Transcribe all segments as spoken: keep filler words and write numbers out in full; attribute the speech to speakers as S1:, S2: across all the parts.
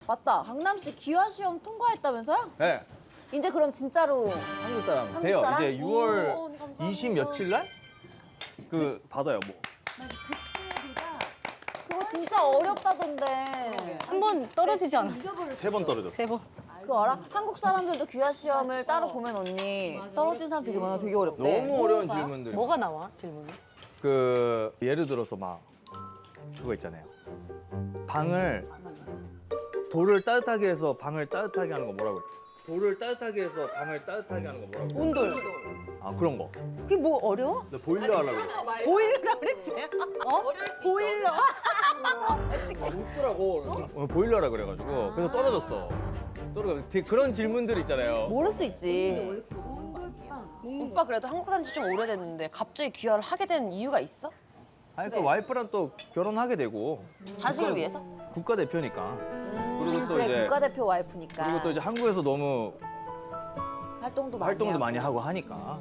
S1: 맞다. 강남시 기화 시험 통과했다면서요?
S2: 네.
S1: 이제 그럼 진짜로
S2: 한국 사람
S1: 한국
S2: 돼요.
S1: 사람?
S2: 이제 유월
S1: 오, 감사합니다.
S2: 이십 며칠 날? 그 받아요, 뭐.
S1: 그거 진짜 어렵다던데.
S3: 한 번 떨어지지 않았어?
S2: 세 번 떨어졌어.
S3: 세 번.
S1: 그거 알아? 한국 사람들도 기화 시험을 따로 보면 언니 떨어진 사람 되게 많아. 되게 어렵대.
S2: 너무 어려운 질문들.
S3: 뭐가 나와, 질문이?
S2: 그 예를 들어서 막 그거 있잖아요. 방을 돌을 따뜻하게 해서 방을 따뜻하게 하는 거 뭐라고 그래? 돌을 따뜻하게 해서 방을 따뜻하게 하는 거 뭐라고 그래?
S3: 온돌.
S2: 아 그런 거.
S3: 그게 뭐 어려워?
S2: 나 보일러 하려고 그랬어.
S3: 보일러 그랬대. 어? 보일러.
S2: 웃더라고. 어, 보일러라 그래가지고 그래서 떨어졌어. 떨어져. 되게 그런 질문들 있잖아요.
S1: 모를 수 있지.
S4: 오빠 그래도 한국 산 지 좀 오래됐는데 갑자기 귀화를 하게 된 이유가 있어?
S2: 아니 그 와이프랑 또 결혼하게 되고
S4: 자신을 위해서?
S2: 국가대표니까. 그리고 또
S1: 그래
S2: 이제
S1: 국가대표 와이프니까.
S2: 그리고 또 이제 한국에서 너무
S1: 활동도 많이
S2: 활동도
S1: 하고.
S2: 많이 하고 하니까.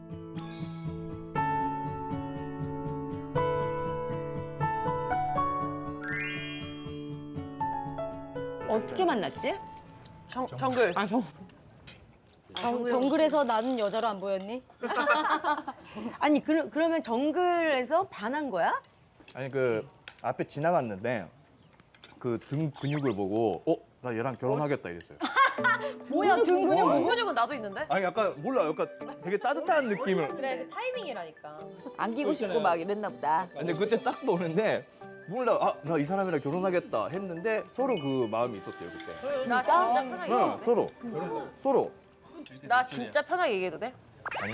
S3: 어떻게 만났지?
S4: 정, 정글.
S3: 아, 정, 정, 정글에서 나는 여자로 안 보였니?
S5: 아니 그, 그러면 정글에서 반한 거야?
S2: 아니 그 앞에 지나갔는데 그 등 근육을 보고 어? 나 얘랑 결혼하겠다 이랬어요.
S3: 뭐야, 등 근육.
S2: 어.
S4: 근육은 나도 있는데?
S2: 아니 약간 몰라 약간 되게 따뜻한 느낌을.
S4: 그래 그 타이밍이라니까.
S1: 안기고 싶고 막 이랬나 보다.
S2: 근데 그때 딱 보는데 몰라 아 나 이 사람이랑 결혼하겠다 했는데 서로 그 마음이 있었대요 그때.
S4: 나 진짜 편하게
S2: 응
S4: 얘기해도 돼?
S2: 서로 서로.
S4: 나 진짜 편하게 얘기해도 돼?
S2: 아니?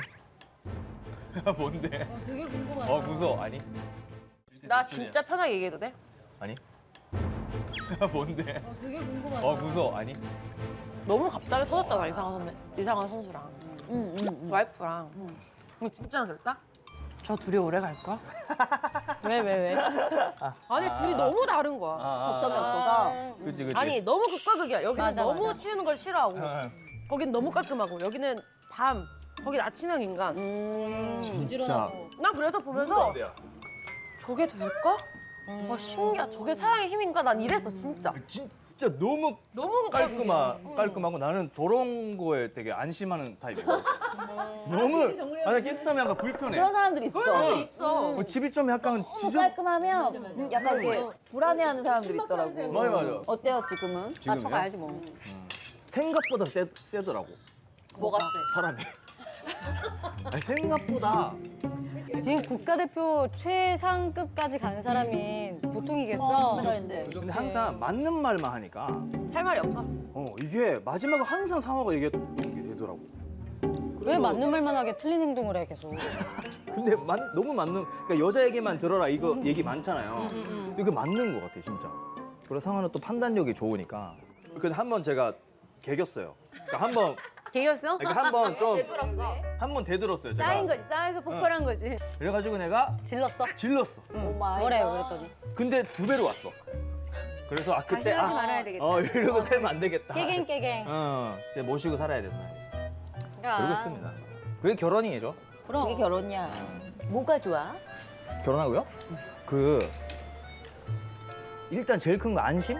S2: 뭔데? 되게 궁금하다. 어 무서워 아니?
S4: 나 진짜 편하게 얘기해도 돼?
S2: 아니? 뭔데? 되게 궁금하다. 어 무서워 아니?
S4: 너무 갑자기 터졌잖아 이상한 선배, 이상한 선수랑. 응, 응, 와이프랑. 이거 진짜 됐다? 저 둘이 오래 갈 거야?
S3: 왜, 왜, 왜?
S4: 아니 둘이 너무 다른 거야.
S1: 접점이 없어서.
S2: 그치 그치.
S4: 아니 너무 극과 극이야. 여기는
S3: 맞아,
S4: 너무
S3: 맞아.
S4: 치우는 걸 싫어하고
S2: 아,
S4: 거긴 너무 깔끔하고 여기는 밤, 거긴 아침형 인간.
S2: 진짜.
S4: 나 그래서 보면서 저게 될까? 와 신기하다. 저게 사랑의 힘인가? 난 이랬어 진짜.
S2: 진짜 너무
S4: 너무
S2: 깔끔하, 깔끔하고 나는 더러운 거에 되게 안심하는 타입이야. 너무 아니 깨끗하면 약간 불편해.
S1: 그런 사람들이 있어.
S2: 응.
S4: 있어.
S2: 어, 집이 좀 약간
S1: 너무
S2: 지저.
S1: 깔끔하면 약간 이렇게 불안해하는 사람들이 있더라고.
S2: 맞아 맞아.
S1: 어때요 지금은?
S2: 지금요?
S3: 쳐가야지 뭐.
S2: 생각보다 세, 세더라고
S4: 뭐가 세?
S2: 사람이. 아니, 생각보다
S3: 지금 국가대표 최상급까지 간 사람이 보통이겠어.
S1: 메달인데.
S2: 근데 항상 맞는 말만 하니까
S4: 할 말이 없어.
S2: 어 이게 마지막에 항상 상화가 이게 되더라고.
S3: 왜 맞는 말만 하게 틀린 행동을 해, 계속.
S2: 근데 맞, 너무 맞는 그러니까 여자 얘기만 들어라 이거 얘기 많잖아요. 근데 그게 맞는 것 같아 진짜. 그리고 상화는 또 판단력이 좋으니까. 근데 한 번 제가 개겼어요. 그러니까 한번
S5: 개겼어?
S2: 그러니까 한번 좀 한 번 대들었어요 제가.
S5: 쌓인 거지, 쌓여서 폭발한 거지.
S2: 그래가지고 내가
S3: 질렀어?
S2: 질렀어.
S3: 응. 뭐래요, 그랬더니.
S2: 근데 두 배로 왔어. 그래서 아 그때
S5: 다시 하지 말아야 되겠다.
S2: 어 이러고 살면 안 되겠다.
S3: 깨갱, 깨갱.
S2: 어, 이제 모시고 살아야 된다.
S3: 그러니까.
S2: 그러겠습니다. 그게 결혼이죠.
S3: 그럼.
S1: 그게 결혼이야.
S5: 뭐가 좋아?
S2: 결혼하고요? 그 일단 제일 큰 거 안심?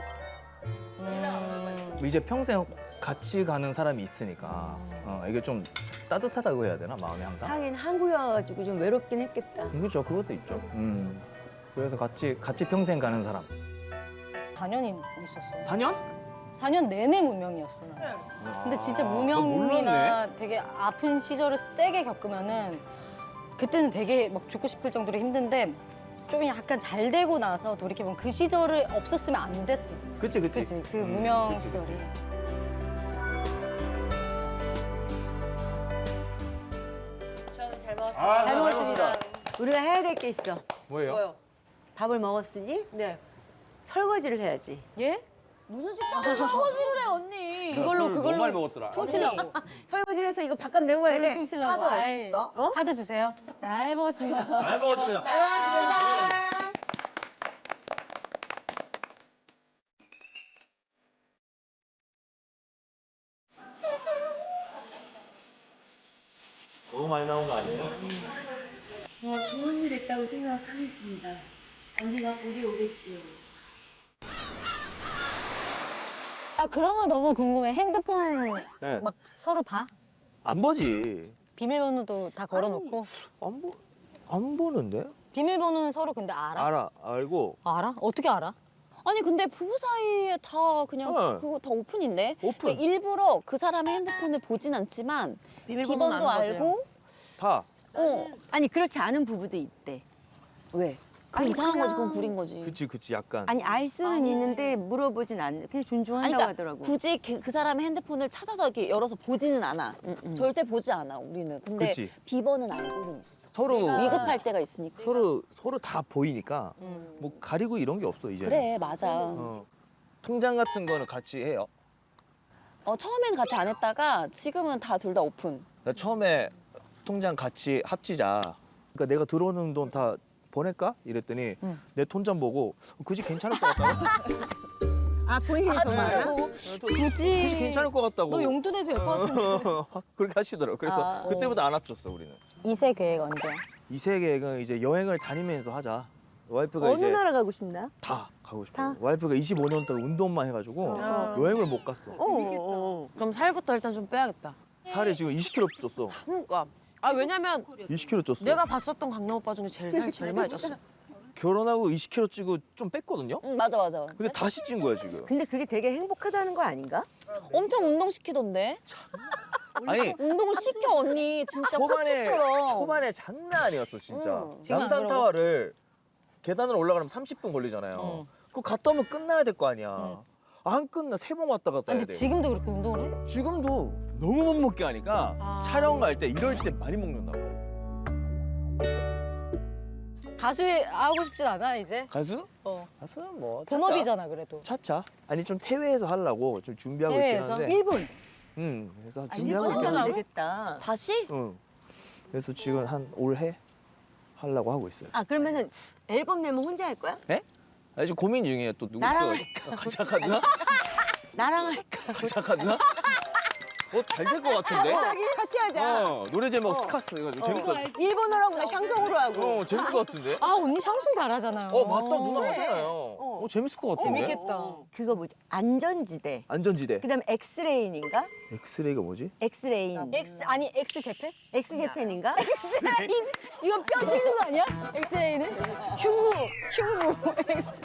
S3: 음,
S2: 이제 평생 같이 가는 사람이 있으니까 어, 이게 좀 따뜻하다고 해야 되나 마음이 항상?
S5: 하긴 한국에 와가지고 좀 외롭긴 했겠다.
S2: 그렇죠, 그것도 있죠. 음. 그래서 같이 같이 평생 가는 사람.
S3: 사 년이 있었어.
S2: 사 년?
S3: 사 년 내내 무명이었어, 나는. 근데 진짜
S2: 아,
S3: 무명이나 되게 아픈 시절을 세게 겪으면은 그때는 되게 막 죽고 싶을 정도로 힘든데 좀 약간 잘 되고 나서 돌이켜보면 그 시절을 없었으면 안 됐어.
S2: 그치 그치.
S3: 그치? 그
S2: 음,
S3: 무명
S2: 그치, 그치.
S3: 시절이.
S4: 저는 잘 먹었어요.
S2: 아,
S5: 잘 먹었습니다. 우리가 해야 될 게 있어.
S2: 뭐예요?
S4: 뭐요?
S5: 밥을 먹었으니
S4: 네.
S5: 설거지를 해야지.
S3: 예?
S1: 무슨 식당에서 설거지를 해 언니.
S3: 그걸로,
S2: 술
S3: 그걸로
S2: 너무 많이 먹었더라.
S3: 퉁치려고.
S5: 설거지를 해서 이거 바깥 내고 해야 돼.
S3: 퉁치려고.
S1: 카드
S3: 아이,
S1: 없어?
S3: 어? 카드 주세요. 잘 먹었습니다.
S2: 잘 먹었습니다. 너무 많이 나온 거 아니에요?
S5: 어, 좋은 일 했다고 생각하겠습니다. 언니가 보기 오겠지요.
S3: 나 그런 거 너무 궁금해. 핸드폰
S2: 네.
S3: 막 서로 봐?
S2: 안 보지.
S3: 비밀번호도 다 걸어놓고.
S2: 안 보, 안 보는데?
S3: 비밀번호는 서로 근데 알아?
S2: 알아, 알고.
S3: 알아? 어떻게 알아?
S1: 아니 근데 부부 사이에 다 그냥
S2: 어.
S1: 그거 다 오픈인데.
S2: 오픈.
S1: 근데 일부러 그 사람의 핸드폰을 보진 않지만
S4: 비밀번호는
S1: 비번도
S4: 아는 거지.
S1: 알고.
S2: 다.
S1: 어.
S5: 아니 그렇지 않은 부부도 있대.
S1: 왜? 그건
S5: 아니,
S1: 이상한 거지.
S5: 그냥-
S1: 그건 구린 거지.
S2: 그치, 그치, 약간.
S5: 아니 알 수는
S1: 아니지.
S5: 있는데 물어보진 않는. 그냥 존중한다고
S1: 아니, 그러니까
S5: 하더라고.
S1: 굳이 그, 그 사람의 핸드폰을 찾아서 이렇게 열어서 보지는 않아. 절대 보지 않아 우리는. 근데
S2: 그치.
S1: 비번은 알고는 있어.
S2: 서로,
S1: 위급할 때가 있으니까.
S2: 서로, 서로 다 보이니까 뭐 가리고 이런 게 없어, 이제는.
S1: 그래 맞아.
S2: 어. 통장 같은 거는 같이 해요.
S1: 어, 처음엔 같이 안 했다가 지금은 다 둘 다 오픈.
S2: 나 처음에 통장 같이 합치자. 그러니까 내가 들어오는 돈 다 보낼까? 이랬더니 내 통장 보고 굳이 괜찮을 것 같다고.
S5: 아 본인이 더 많아?
S2: 굳이 굳이 괜찮을 것 같다고.
S3: 너 용돈 해도 될 것 같은데.
S2: 그렇게 하시더라고. 그래서
S1: 아, 어.
S2: 그때부터 안 합쳤어 우리는.
S3: 이세 계획 언제야?
S2: 이세 계획은 이제 여행을 다니면서 하자. 와이프가
S5: 어느
S2: 이제
S5: 나라 가고 싶나?
S2: 다 가고 싶어.
S5: 다?
S2: 와이프가 이십오 년 동안 운동만 해가지고 여행을 못 갔어.
S5: 어, 어,
S4: 그럼 살부터 일단 좀 빼야겠다.
S2: 살이 지금 이십 킬로그램 쪘어.
S4: 그러니까. 아 왜냐면
S2: 이십 킬로그램 쪘어.
S4: 내가 봤었던 강남 오빠 중에 제일 살 제일 많이 쪘어.
S2: 결혼하고 이십 킬로그램 찌고 좀 뺐거든요.
S1: 응 맞아 맞아.
S2: 근데 다시 찐 거야 지금.
S5: 근데 그게 되게 행복하다는 거 아닌가?
S1: 엄청 운동 시키던데.
S2: 아니
S1: 운동을 시켜 언니 진짜
S2: 초반에
S1: 코치처럼.
S2: 초반에 장난 아니었어 진짜.
S1: 응.
S3: 지금 안
S2: 남산
S3: 그러고?
S2: 타워를 계단으로 올라가면 삼십 분 걸리잖아요.
S3: 응.
S2: 그거 갔다 오면 끝나야 될 거 아니야. 안 끝나 세 번 왔다 갔다 해야
S3: 근데
S2: 돼.
S3: 지금도 그렇게 운동을 해?
S2: 지금도 너무 못 먹게 하니까
S4: 아.
S2: 촬영 갈 때 이럴 때 많이 먹는다고.
S3: 가수 하고 싶진 않아 이제?
S2: 가수?
S3: 어.
S2: 가수는 뭐 차차.
S3: 본업이잖아 그래도.
S2: 차차. 아니 좀 해외에서 하려고 좀 준비하고
S3: 해외에서?
S2: 있긴 한데.
S5: 일본.
S2: 응. 그래서
S5: 아,
S2: 준비하고
S5: 일본
S2: 있긴
S5: 하면
S2: 한데.
S5: 되겠다.
S1: 다시?
S2: 응. 그래서 지금 한 올해 하려고 하고 있어요.
S5: 아 그러면은 앨범 내면 혼자 할 거야?
S2: 네? 아니 지금 고민 중이에요. 또 누구
S5: 나랑
S2: 있어요? 같이 할까 누나?
S5: 나랑 할까?
S2: 같이 할까 누나? 어, 잘 될 것 같은데?
S5: 같이 하자.
S2: 어, 노래 제목 스카스 이거 재밌을 것 같아.
S5: 일본어로 하고 나 샹송으로 하고.
S2: 어, 재밌을 것 같은데?
S3: 아 언니 샹송 잘하잖아요.
S2: 어, 맞다. 누나 하잖아요. 어, 재밌을 것 같은데?
S3: 재밌겠다.
S5: 그거 뭐지? 안전지대.
S2: 안전지대.
S5: 그다음에 엑스레인인가?
S2: 엑스레이가 뭐지?
S5: 엑스레인.
S3: X 아니 X 재팬?
S5: 엑스제팬인가?
S3: 엑스레인 이거 뼈 찍는 거 아니야? 엑스레인은 흉무 흉무 엑스.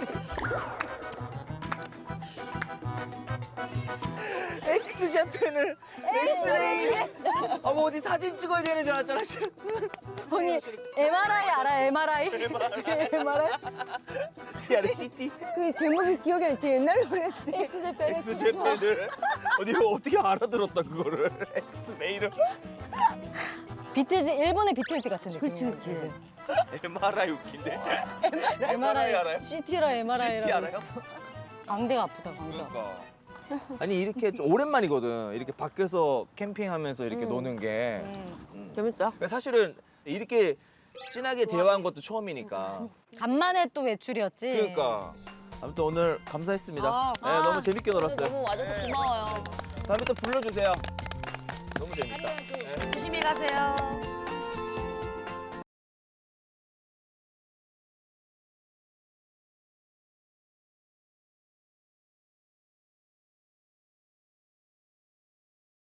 S2: 엑스제팬을 엑스레이. 아, 뭐 어디 사진 찍어야 되는 줄 알았잖아. 지금.
S3: 언니 엠알아이 알아? 엠알아이? 엠알아이?
S2: 씨알시티
S5: 그 제목이 기억이 안 나. 옛날 노래인데.
S3: 엑스제팬
S2: 엑스제팬을 어디 어떻게 알아들었다 그거를. 엑스레이를.
S3: 비틀즈 일본의 비틀즈 같은 느낌.
S5: 그렇지, 그렇지.
S2: 엠알아이 웃긴데.
S3: 엠알아이
S2: 알아요?
S3: 씨티라 엠알아이라고.
S2: 씨티 알아요?
S3: 광대가 아프다 광대가.
S2: 그러니까. 아니 이렇게 좀 오랜만이거든. 이렇게 밖에서 캠핑하면서 이렇게 노는 게.
S4: 재밌다.
S2: 사실은 이렇게 진하게 대화한 것도 처음이니까.
S3: 간만에 또 외출이었지.
S2: 그러니까. 아무튼 오늘 감사했습니다.
S4: 아,
S2: 네, 너무 재밌게 놀았어요.
S1: 너무 와줘서 고마워요.
S2: 다음에 또 불러주세요. 너무 재밌다. 네.
S4: 조심히 가세요.